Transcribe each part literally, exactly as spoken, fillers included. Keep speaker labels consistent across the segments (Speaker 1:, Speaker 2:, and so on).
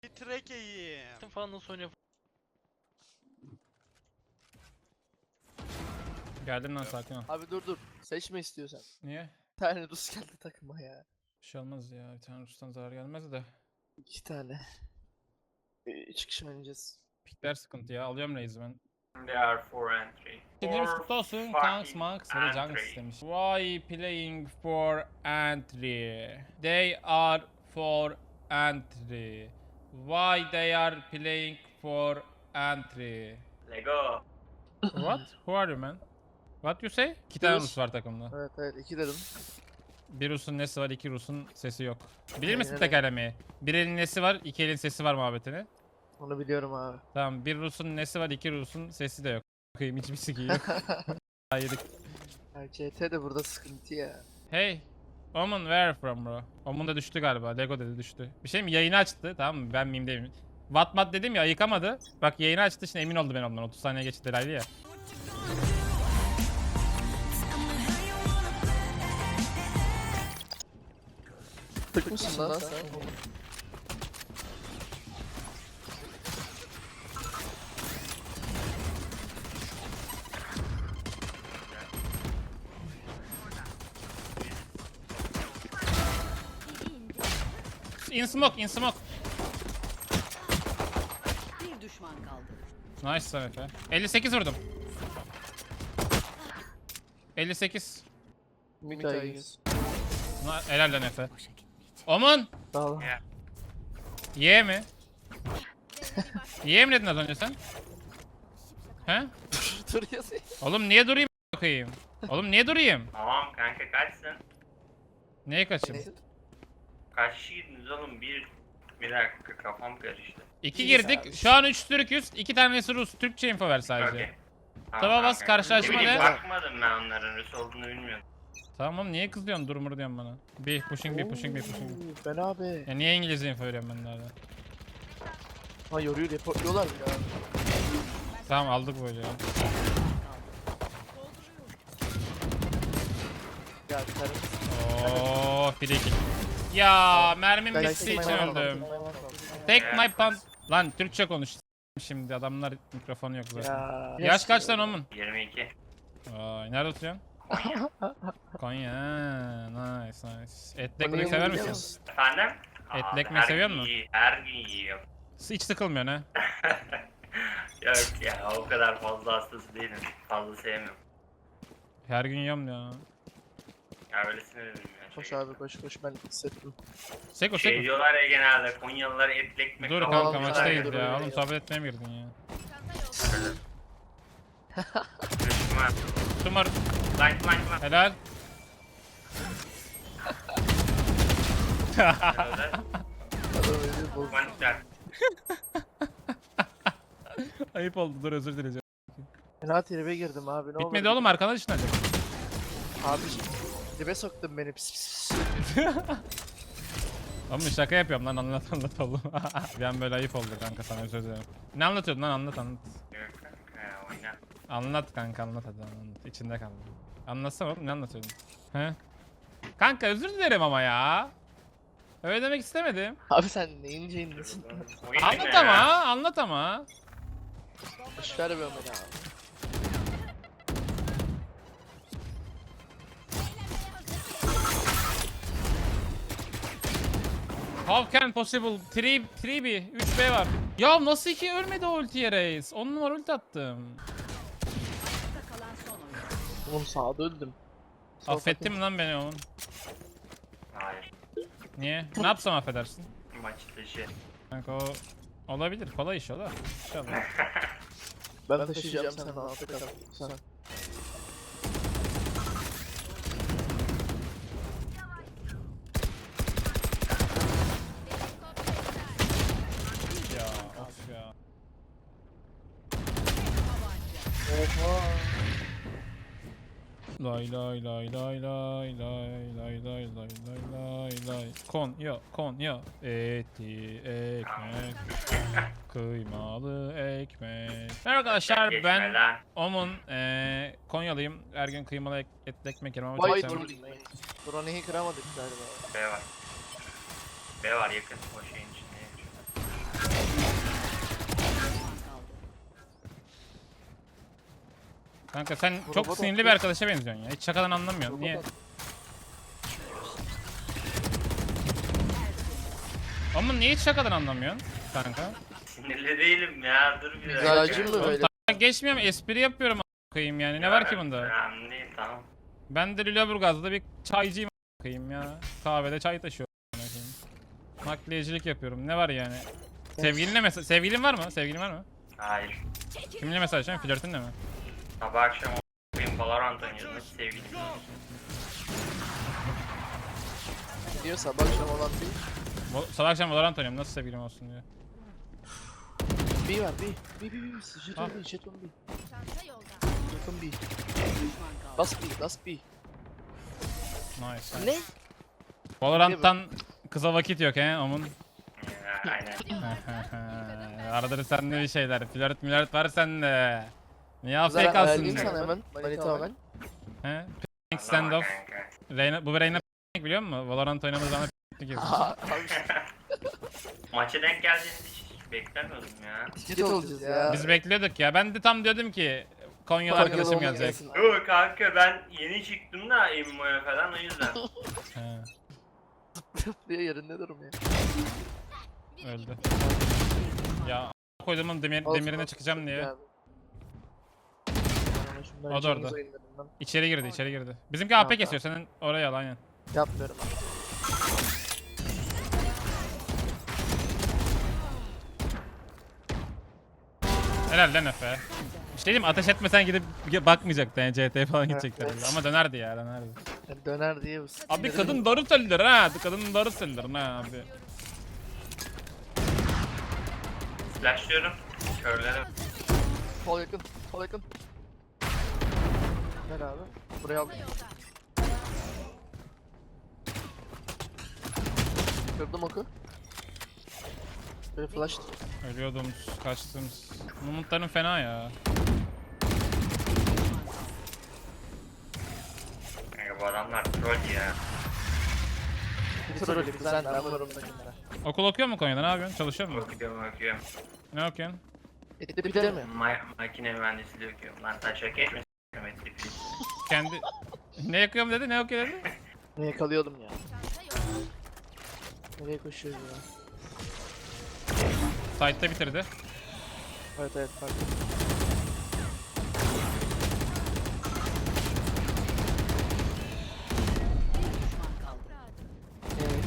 Speaker 1: Trekeyim.
Speaker 2: Falan nasıl oynuyor?
Speaker 3: Geldim lan, sakin ol.
Speaker 4: Abi dur dur. Seçme istiyorsan.
Speaker 3: Niye?
Speaker 4: Bir tane Rus geldi takıma ya.
Speaker 3: Bir şey olmaz ya. Bir tane Rus'tan zarar gelmez de.
Speaker 4: İki tane. Ee, Üç kişi oynayacağız.
Speaker 3: Pikler sıkıntı ya. Alıyorum Reis'i ben.
Speaker 5: There are four entry.
Speaker 3: Dinlerimiz
Speaker 5: Four
Speaker 3: kutlu olsun.
Speaker 5: fucking
Speaker 3: Kanks, Max ve de Junks
Speaker 5: entry.
Speaker 3: istemiş. Why playing for entry? They are for entry. Why they are playing for entry?
Speaker 5: Lego.
Speaker 3: What? Who are you man? What you say? İki tane
Speaker 4: Rus.
Speaker 3: Rus var takımda.
Speaker 4: Evet evet iki dedim.
Speaker 3: Bir Rus'un nesi var, iki Rus'un sesi yok. Bilir misin
Speaker 4: Aynen
Speaker 3: tekerlemeyi? Bir elin nesi var, iki elin sesi var muhabbetini.
Speaker 4: Onu biliyorum abi.
Speaker 3: Tamam, bir Rus'un nesi var, iki Rus'un sesi de yok. Bakayım, hiçbir siki yok. Hayır.
Speaker 4: Ya C T de burada sıkıntı ya.
Speaker 3: Hey, Omen where from bro? Omen da düştü galiba. Lego dedi düştü. Bir şey mi? Yayını açtı. Tamam mı? Ben miyim değilim. Wattmat dedim ya, yıkamadı. Bak yayını açtı, şimdi emin oldu ben ondan. otuz saniye geçti delaylı ya.
Speaker 4: Tık mısın lan sen?
Speaker 3: In smoke, in smoke.
Speaker 6: Bir düşman kaldı.
Speaker 3: Nice sana Efe. elli sekiz vurdum. elli sekiz.
Speaker 4: Müteahhit.
Speaker 3: Na- Helal lan Efe. Omen!
Speaker 4: Sağ ol.
Speaker 3: Ye mi? Ye mi dedin az önce sen? He?
Speaker 4: Dur yazayım.
Speaker 3: Oğlum niye durayım bakayım? Oğlum niye durayım?
Speaker 5: Tamam kanka kaçsın?
Speaker 3: Neye kaçayım?
Speaker 5: Kaç kişiydiniz oğlum? Bir... Bir dakika kafam karıştı.
Speaker 3: İki
Speaker 4: İyiyiz
Speaker 3: girdik.
Speaker 4: abi.
Speaker 3: Şu an üç Türk'üz. iki tanesi Rus. Türkçe info ver sadece.
Speaker 5: Okey. Tamam,
Speaker 3: Tava bas,
Speaker 5: kanka.
Speaker 3: karşılaşma
Speaker 5: Ne bileyim,
Speaker 3: de.
Speaker 5: bakmadım ben onların Rus olduğunu bilmiyorum.
Speaker 3: Tamam oğlum, niye kızıyorsun durmur diyorsun bana? Bir pushing bir pushing bir pushing.
Speaker 4: Oo, Ben abi.
Speaker 3: Ya niye İngilizce info veriyorum ben nerede?
Speaker 4: Ha yoruyor reportluyorlar mı ya?
Speaker 3: Tamam aldık böyle ya.
Speaker 4: Ya bir tane.
Speaker 3: Oo, bir iki. Ya mermim
Speaker 4: Ben-
Speaker 3: bittiği için
Speaker 4: Ben-
Speaker 3: öldüm.
Speaker 4: Ben-
Speaker 3: Take my pants. Lan Türkçe konuş. Şimdi adamlar mikrofonu yok zaten.
Speaker 4: Ya.
Speaker 3: Yaş kaç lan Omun?
Speaker 5: yirmi iki.
Speaker 3: Vay, nerede oturuyorsun? Konya. ha, Nice nice. Etli
Speaker 4: Konya'yı
Speaker 3: ekmek sever
Speaker 4: biliyor
Speaker 3: misin?
Speaker 5: Efendim?
Speaker 3: Etli
Speaker 5: Abi,
Speaker 3: ekmek
Speaker 5: her
Speaker 3: seviyor
Speaker 5: gün
Speaker 3: musun?
Speaker 5: yiyor- Her gün yiyorum.
Speaker 3: Hiç sıkılmıyorsun ha.
Speaker 5: Yok ya o kadar fazla hastası değilim. Fazla sevmiyorum.
Speaker 3: Her gün yiyorum ya.
Speaker 5: Ya öylesine dedim ya.
Speaker 4: Koş
Speaker 5: Şey,
Speaker 4: abi koş koş ben hissettim.
Speaker 3: Seko
Speaker 5: şey
Speaker 3: seko.
Speaker 5: diyorlar ya genelde Konyalılar etli ekmek.
Speaker 3: Dur
Speaker 5: falan
Speaker 3: kanka
Speaker 4: Tamam,
Speaker 3: maçtayız
Speaker 4: dur,
Speaker 3: ya.
Speaker 4: dur,
Speaker 3: Oğlum
Speaker 4: dur.
Speaker 3: sohbet etmeye mi girdin ya?
Speaker 5: Düşman.
Speaker 3: Tumar.
Speaker 5: Like like like.
Speaker 3: Helal.
Speaker 4: Adam öyle bozdu.
Speaker 5: Mantıklar.
Speaker 3: Ayıp oldu, dur özür dileyeceğim.
Speaker 4: Fena tribe girdim abi ne oldu?
Speaker 3: Bitmedi oğlum, arkana ışınlanacak.
Speaker 4: Abi dibe soktun beni pis pis.
Speaker 3: Oğlum şaka yapıyorum lan, anlat anlat oğlum. Bir an böyle ayıp oldu kanka, sana özür dilerim. Ne anlatıyordun lan, anlat anlat.
Speaker 5: Yok kanka ya, oyna.
Speaker 3: Anlat kanka anlat hadi anlat. İçinde kaldı. Anlatsana oğlum, ne anlatıyordun? He? Kanka özür dilerim ama ya. Öyle demek istemedim.
Speaker 4: Abi sen neyin ceyindesin?
Speaker 5: Oyun
Speaker 3: Anlat
Speaker 5: ne ya?
Speaker 3: ama, anlat ama.
Speaker 4: Boş ver be beni abi.
Speaker 3: How can possible? üç üç B, üç B var. Ya nasıl iki ölmedi o ultiye reis? on numara ulti attım.
Speaker 6: Kalan son oyun.
Speaker 4: Oğlum sağda öldüm.
Speaker 3: Affettin mi lan beni oğlum?
Speaker 5: Hayır.
Speaker 3: Niye? Ne yapsam affedersin?
Speaker 5: Maç dışı.
Speaker 3: Kanka o olabilir, kolay iş o da. İnşallah.
Speaker 4: Ben taşıyacağım sen altta kal. Sen.
Speaker 3: Ya of ya.
Speaker 4: Oha.
Speaker 3: Lay lay lay lay lay lay lay lay lay lay lay lay. Konya Konya eti ekmek kıymalı ekmek. Merhaba arkadaşlar,
Speaker 5: Geçme
Speaker 3: ben
Speaker 5: lan.
Speaker 3: Omun, eee Konyalıyım. Her gün kıymalı ek, etli ekmek yerim ama
Speaker 4: Vay
Speaker 3: çok sevmem.
Speaker 4: dur. Drone'yi kıramadık galiba.
Speaker 5: B var. B var yakın o şeyin içinde.
Speaker 3: Kanka sen
Speaker 4: Bu
Speaker 3: çok
Speaker 4: robot
Speaker 3: sinirli bir
Speaker 4: atıyor.
Speaker 3: arkadaşa benziyorsun ya. Hiç şakadan anlamıyorsun.
Speaker 4: Robot
Speaker 3: Niye?
Speaker 4: at-
Speaker 3: Ama niye hiç şakadan anlamıyorsun kanka?
Speaker 5: Sinirli değilim ya. Dur bir dakika.
Speaker 4: Mizacın mı
Speaker 3: Oğlum
Speaker 4: böyle?
Speaker 3: ta- geçmiyorum, espri yapıyorum a- koyayım yani. Ne var ki bunda?
Speaker 5: Önemli değil, tamam.
Speaker 3: Ben de Lüleburgaz'da bir çaycıyım a- koyayım ya. Kahvede çay taşıyorum a- koyayım. Nakliyecilik yapıyorum. Ne var yani? Sevgilinle mesaj... Sevgilin var mı? Sevgilin var mı?
Speaker 5: Hayır.
Speaker 3: Kiminle mesajlaşıyorsun? Flörtünle mi?
Speaker 5: Sabah akşam o**ayım Valorant oynuyoruz. Nasıl sevgilim?
Speaker 4: Diyor sabah akşam olan bir.
Speaker 3: Vo- Sabah akşam Valorant oynuyorum. Nasıl sevgilim olsun diyor.
Speaker 4: B var B. B B B. Jeton
Speaker 3: Ah.
Speaker 4: B. Jeton B.
Speaker 6: Çanta yolda.
Speaker 4: Jeton B.
Speaker 6: Bir düşman kaldı.
Speaker 4: Last B. Last B.
Speaker 3: Nice.
Speaker 4: Ne?
Speaker 3: Valorant'tan kıza vakit yok he Omun.
Speaker 5: Ya, aynen.
Speaker 3: Aradır sende bir şeyler. Flört mülört var sende. Niye afk
Speaker 4: Zaten
Speaker 3: kalsın?
Speaker 4: ayarlayayım sana hemen. Manita hemen.
Speaker 3: He? P***ing standoff.
Speaker 5: Kanka.
Speaker 3: Reyna, bu Reyna p***ing biliyor musun? Valorant oynadığımız zaman p***lik yapıyor.
Speaker 4: Aha, abi.
Speaker 5: Maça denk geldiğini hiç beklemiyordum ya.
Speaker 4: Jet olacağız ya.
Speaker 3: Biz bekliyorduk ya. Ben de tam diyordum ki Konyalı
Speaker 4: Konyalı
Speaker 3: arkadaşım
Speaker 4: olmak
Speaker 3: gelecek.
Speaker 4: gelsin.
Speaker 5: Yok kanka ben yeni çıktım da Emmo'ya falan o yüzden.
Speaker 3: He,
Speaker 4: Diye yerinde durum ya.
Speaker 3: öldü. Ya a- koyduğumun demir,
Speaker 4: Olsun,
Speaker 3: demirine
Speaker 4: olsun,
Speaker 3: çıkacağım
Speaker 4: çok
Speaker 3: diye.
Speaker 4: iyi abi. Ama şundan
Speaker 3: O da
Speaker 4: canımız
Speaker 3: orada.
Speaker 4: oyunlarından
Speaker 3: İçeri girdi, içeri girdi. Bizimki A P
Speaker 4: Kanka.
Speaker 3: kesiyor. Senin oraya al aynen.
Speaker 4: Yapmıyorum abi.
Speaker 3: Helal lan Efe. Bir şey diyeyim mi? Ateş etmesen gidip bakmayacaktı yani C T falan gidecekler.
Speaker 4: evet.
Speaker 3: Ama dönerdi ya dönerdi.
Speaker 4: Yani döner diye bu.
Speaker 3: Abi kadın doğru söylüyor ha. Kadın doğru söylüyor ha abi.
Speaker 5: Flashlıyorum. Körlerim.
Speaker 4: Sol yakın. Sol yakın. Gel abi. Buraya aldım. Kırdım oku. Böyle flash.
Speaker 3: Ölüyordum, kaçtım. Mumutların fena ya.
Speaker 5: Kanka bu adamlar troll ya.
Speaker 4: Bir troll bir sen ben varım da kenara.
Speaker 3: Okul okuyor mu Konya'da? Ne yapıyorsun? Çalışıyor mu?
Speaker 5: Okuyorum okuyorum.
Speaker 3: Ne okuyorsun?
Speaker 4: Etti bir de mi?
Speaker 5: Ma makine mühendisliği okuyorum. Lan taşa geçme s***im ettik biz.
Speaker 3: Kendi... Ne yakıyorum dedi? Ne okuyor dedi?
Speaker 4: Ne yakalıyordum ya. Nereye koşuyoruz ya?
Speaker 3: Site'da bitirdi.
Speaker 4: Evet evet pardon.
Speaker 6: Bir düşman kaldı.
Speaker 4: Evet.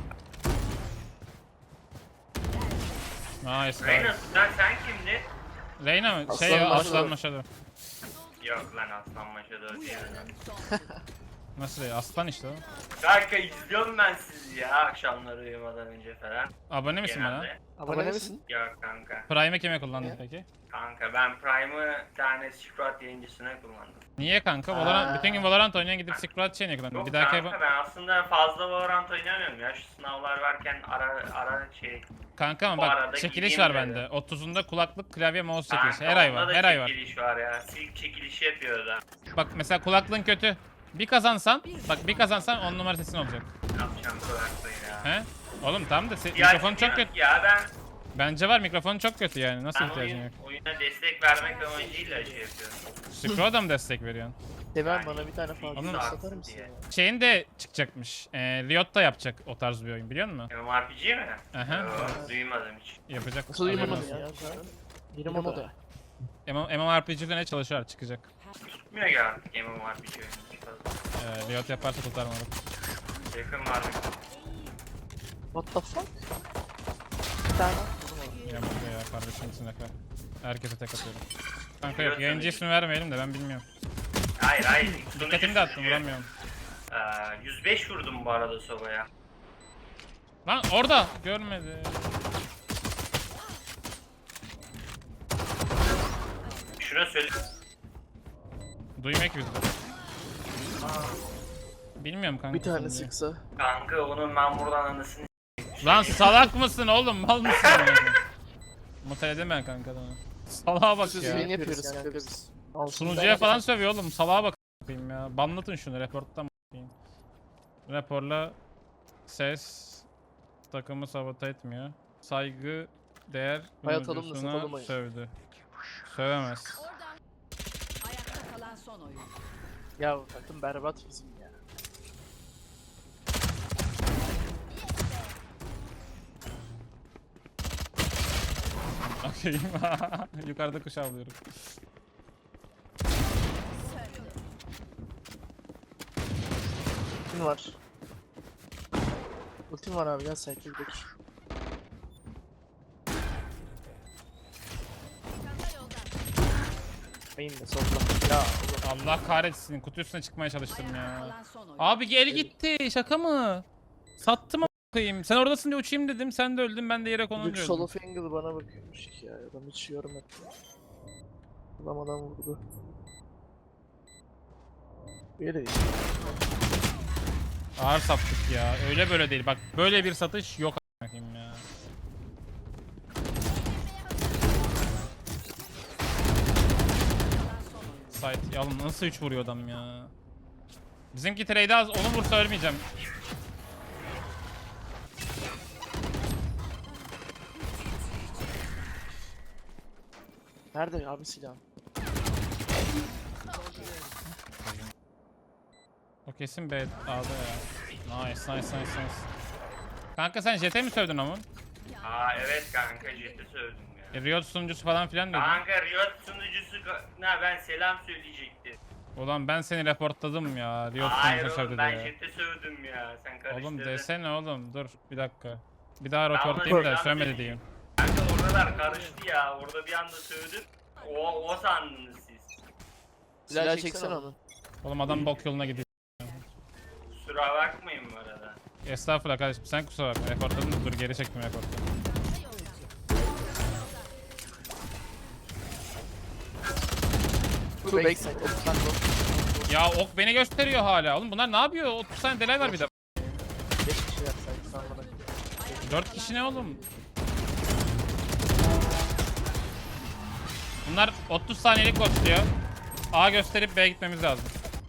Speaker 3: Nice.
Speaker 5: Reyna
Speaker 3: nice.
Speaker 5: sen, sen kimdin?
Speaker 3: Reyna mı? Şey
Speaker 4: Aslan
Speaker 3: ya,
Speaker 4: Maşado.
Speaker 3: Aslan Maşado.
Speaker 5: Yok lan Aslan Maşado değil lan.
Speaker 3: Nasıl değil? Aslan işte o.
Speaker 5: Kanka izliyorum ben sizi ya akşamları uyumadan önce falan.
Speaker 3: Abone misin bana?
Speaker 5: Genelde.
Speaker 4: Abone misin?
Speaker 5: Yok kanka.
Speaker 3: Prime'ı kime kullandın
Speaker 4: Ya.
Speaker 3: peki?
Speaker 5: Kanka ben Prime'ı bir tane Squad yayıncısına kullandım.
Speaker 3: Niye kanka? Valorant,
Speaker 4: Aa.
Speaker 3: bütün gün Valorant oynayan gidip Squad chain'e kullandın.
Speaker 5: Yok
Speaker 3: Bir dahaki
Speaker 5: kanka ben aslında fazla Valorant oynamıyorum ya. Şu sınavlar varken ara ara şey.
Speaker 3: Kanka ama
Speaker 5: Bu
Speaker 3: bak
Speaker 5: arada
Speaker 3: çekiliş
Speaker 5: gideyim
Speaker 3: var
Speaker 5: dedim.
Speaker 3: bende. otuzunda kulaklık, klavye, mouse çekilişi.
Speaker 5: Kanka,
Speaker 3: Her ay
Speaker 5: onda
Speaker 3: var.
Speaker 5: da
Speaker 3: Her ay var.
Speaker 5: çekiliş var ya. Silk çekilişi yapıyor da.
Speaker 3: Bak mesela kulaklığın kötü. Bir kazansan, bak bir kazansan on numara sesin olacak.
Speaker 5: Ne yapacağım kulaklığı ya.
Speaker 3: He? Oğlum tamam da se-
Speaker 5: Ya-
Speaker 3: mikrofon çok
Speaker 5: ya-
Speaker 3: kötü.
Speaker 5: Ya ben,
Speaker 3: Bence var, mikrofon çok kötü yani. Nasıl
Speaker 5: ben
Speaker 3: ihtiyacın
Speaker 5: oyun,
Speaker 3: yok?
Speaker 5: oyuna destek vermek amacıyla şey yapıyorum.
Speaker 3: Scroll'da mı destek veriyorsun?
Speaker 4: Demem bana bir tane fazla
Speaker 3: Onun-
Speaker 4: satar mısın
Speaker 5: diye.
Speaker 4: ya?
Speaker 3: Şeyin de çıkacakmış. E, Riot da yapacak o tarz bir oyun biliyor musun?
Speaker 5: MMORPG mi?
Speaker 3: Aha.
Speaker 5: Yok, duymadım hiç.
Speaker 3: Yapacak.
Speaker 4: Nasıl uyumadın
Speaker 3: haberin
Speaker 4: ya?
Speaker 3: olsun.
Speaker 4: Yeni moda.
Speaker 3: MMORPG üzerine çalışıyor, çıkacak.
Speaker 5: Tutmuyor ki artık MMORPG oyunu. Fazla.
Speaker 3: E, Riot yaparsa tutar mı?
Speaker 5: Yakın var mı?
Speaker 4: What the fuck? Bir tane. Vurdum onu.
Speaker 3: Ya burada ya kardeşim için Efe. Herkese tek atıyorum. Kanka yok,
Speaker 5: Riot
Speaker 3: yayıncı
Speaker 5: tabii.
Speaker 3: ismi vermeyelim de ben bilmiyorum.
Speaker 5: Hayır hayır.
Speaker 3: Dikkatimi dağıttım, vuramıyorum.
Speaker 5: Ee, yüz beş vurdum bu arada sobaya.
Speaker 3: Lan orada! Görmedi.
Speaker 5: Şuna söyle.
Speaker 3: Duymuyor ki bizde. Bilmiyorum kanka.
Speaker 4: Bir tane
Speaker 3: şimdi.
Speaker 4: sıksa.
Speaker 5: Kanka onun ben buradan anasını
Speaker 3: Lan salak mısın oğlum? Mal mısın? Mutal edemem kanka adamı. Salağa bak
Speaker 4: Siz
Speaker 3: ya.
Speaker 4: yayın yapıyoruz kanka biz. Al,
Speaker 3: Sunucuya falan sövüyor oğlum. Salağa bak a**ayım ya. Banlatın şunu, reporttan bakayım. Raporla ses takımı sabote etmiyor. Saygı değer
Speaker 4: Hayat alımlı,
Speaker 3: sunucusuna
Speaker 4: satalım oyun.
Speaker 3: sövdü. Sövemez.
Speaker 6: Oradan. Ayakta son oyun.
Speaker 4: Ya bu takım berbat bizim ya.
Speaker 3: Okey. Yukarıda kuş avlıyorum.
Speaker 4: Ultim var. Ultim var abi, gel cycle gidelim. Main de solda. Ya Allah.
Speaker 3: Allah kahretsin. Kutu üstüne çıkmaya çalıştım
Speaker 6: Ayakta
Speaker 3: ya.
Speaker 6: kalan son oyun.
Speaker 3: Abi gel gitti. Şaka mı? Sattım a**ayım. Sen oradasın diye uçayım dedim. Sen de öldün. Ben de yere konum
Speaker 4: Büyük
Speaker 3: öldüm.
Speaker 4: solo angle bana bakıyormuş ki ya. Adam hiç yorum etmiyor. Adam adam vurdu. Böyle değil.
Speaker 3: Ağır sattık ya. Öyle böyle değil. Bak böyle bir satış yok a**ayım ya. Site. Ya oğlum nasıl üç vuruyor adam ya. Bizimki trade az. Onu vursa ölmeyeceğim.
Speaker 4: Nerede abi silah?
Speaker 3: O kesin B A'da ya. Nice nice nice nice. Kanka sen Jet'e mi sövdün ama?
Speaker 5: Aa evet kanka ciddi söyledim ya.
Speaker 3: E, Riot sunucusu falan filan dedin.
Speaker 5: Kanka Riot sunucusu ne ben selam söyleyecekti.
Speaker 3: Ulan ben seni reportladım ya. Riot
Speaker 5: Hayır
Speaker 3: sunucusu
Speaker 5: oğlum
Speaker 3: sövdü
Speaker 5: ben
Speaker 3: diye.
Speaker 5: ciddi sövdüm ya. Sen karıştırdın.
Speaker 3: Oğlum desene oğlum dur bir dakika. Bir daha
Speaker 5: Tamam,
Speaker 3: reportlayayım da
Speaker 5: tamam,
Speaker 3: sövmedi
Speaker 5: tamam.
Speaker 3: diyeyim.
Speaker 5: Kanka oralar karıştı ya. Orada bir anda sövdüm. O, o sandınız siz.
Speaker 4: Silah çeksene onu.
Speaker 3: Oğlum adam bok yoluna gidiyor.
Speaker 5: Kusura bakmayın bu arada.
Speaker 3: Estağfurullah kardeşim sen kusura bakma. Reportladın da dur geri çektim reportu.
Speaker 4: Two backside. Ultimate go.
Speaker 3: Ya ok beni gösteriyor hala. Oğlum bunlar ne yapıyor? otuz tane delay var bir de.
Speaker 4: beş kişi yapsaydı sen bana.
Speaker 3: dört kişi ne oğlum? Bunlar otuz saniyelik koşuyor. A gösterip B'ye gitmemiz lazım.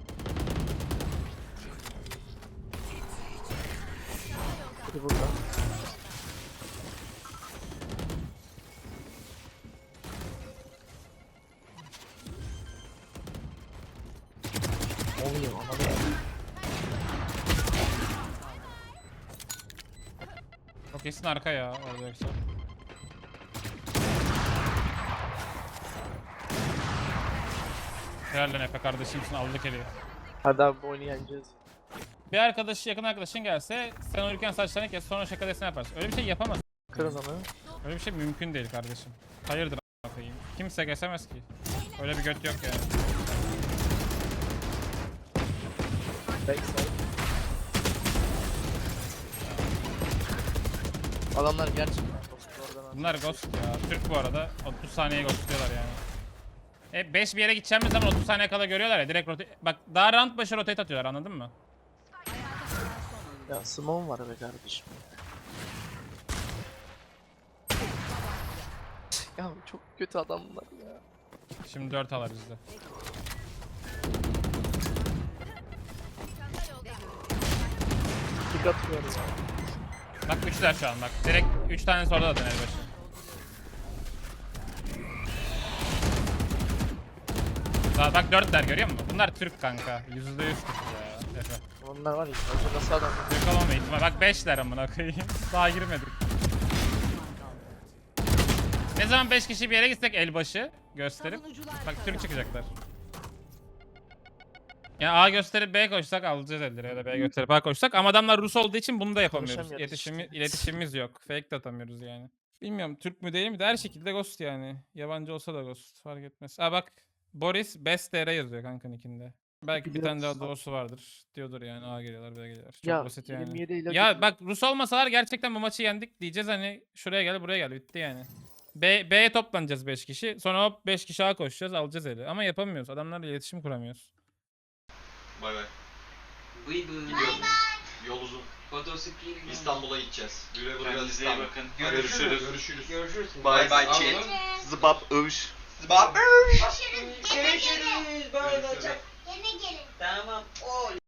Speaker 4: Biri burada. Oluyor ona da.
Speaker 3: O kesin arka ya orada yoksa. Herhalde Efe kardeşimsin aldık eli.
Speaker 4: Hadi abi bu oyunu yeneceğiz.
Speaker 3: Bir arkadaşı yakın arkadaşın gelse sen uyurken saçlarını kes sonra şaka desene yaparsın. Öyle bir şey yapamaz.
Speaker 4: Kırın onu.
Speaker 3: Öyle bir şey mümkün değil kardeşim. Hayırdır a**ına koyayım. Kimse kesemez ki. Öyle bir göt yok yani.
Speaker 4: Backside. Adamlar gerçekten dost oradan.
Speaker 3: Bunlar ghost ya. Türk bu arada. otuz saniye ghostluyorlar yani. E beş bir yere gideceğimiz zaman otuz saniye kala görüyorlar ya. Direkt rotate... Bak daha round başı rotate atıyorlar anladın mı?
Speaker 4: Ya Simon var be kardeşim. Ya çok kötü adamlar ya.
Speaker 3: Şimdi dört alar bizde.
Speaker 4: Tık atıyoruz.
Speaker 3: Bak üçler şu an bak. Direkt üç tane sonra zaten el başı. Daha bak dörtler görüyor musun? Bunlar Türk kanka. Yüzde yüz Türk ya. Efe.
Speaker 4: Onlar var ya, acı nasıl adam?
Speaker 3: Türk olmama ihtimali. Bak beşler amına koyayım. Daha girmedik. Ne zaman beş kişi bir yere gitsek el başı gösterip bak Türk çıkacaklar. Ya A gösterip B koşsak alacağız elleri ya da B gösterip A koşsak ama adamlar Rus olduğu için bunu da yapamıyoruz.
Speaker 4: Konuşamıyoruz
Speaker 3: İletişimi,
Speaker 4: işte.
Speaker 3: iletişimimiz yok. Fake de atamıyoruz yani. Bilmiyorum Türk mü değil mi de her şekilde ghost yani. Yabancı olsa da ghost fark etmez. Aa bak Boris Best T R yazıyor kanka nickinde. Belki bir tane daha doğusu vardır. Diyordur yani A geliyorlar B geliyorlar. Çok
Speaker 4: Ya
Speaker 3: basit yani.
Speaker 4: yirmi yedi ile
Speaker 3: Ya bak Rus olmasalar gerçekten bu maçı yendik diyeceğiz hani şuraya gel buraya gel bitti yani. B, B'ye toplanacağız beş kişi. Sonra hop beş kişi A koşacağız alacağız eli. Ama yapamıyoruz. Adamlarla iletişim kuramıyoruz.
Speaker 1: Bay bay.
Speaker 2: Bıy bıy.
Speaker 1: Gidiyorum. Yol uzun.
Speaker 2: Fotosikli.
Speaker 1: İstanbul'a gideceğiz. Güle güle
Speaker 2: Kendinize iyi
Speaker 1: İstanbul.
Speaker 2: bakın.
Speaker 1: Görüşürüz. Görüşürüz.
Speaker 2: Görüşürüz.
Speaker 1: Bay bay
Speaker 2: Anladın
Speaker 1: chat.
Speaker 2: mı?
Speaker 1: Zıbap övüş.
Speaker 2: Zıbap.
Speaker 7: Görüşürüz.
Speaker 2: Görüşürüz. Bay bay.
Speaker 1: Görüşürüz.
Speaker 7: Yine gelin.
Speaker 2: Tamam. Oy.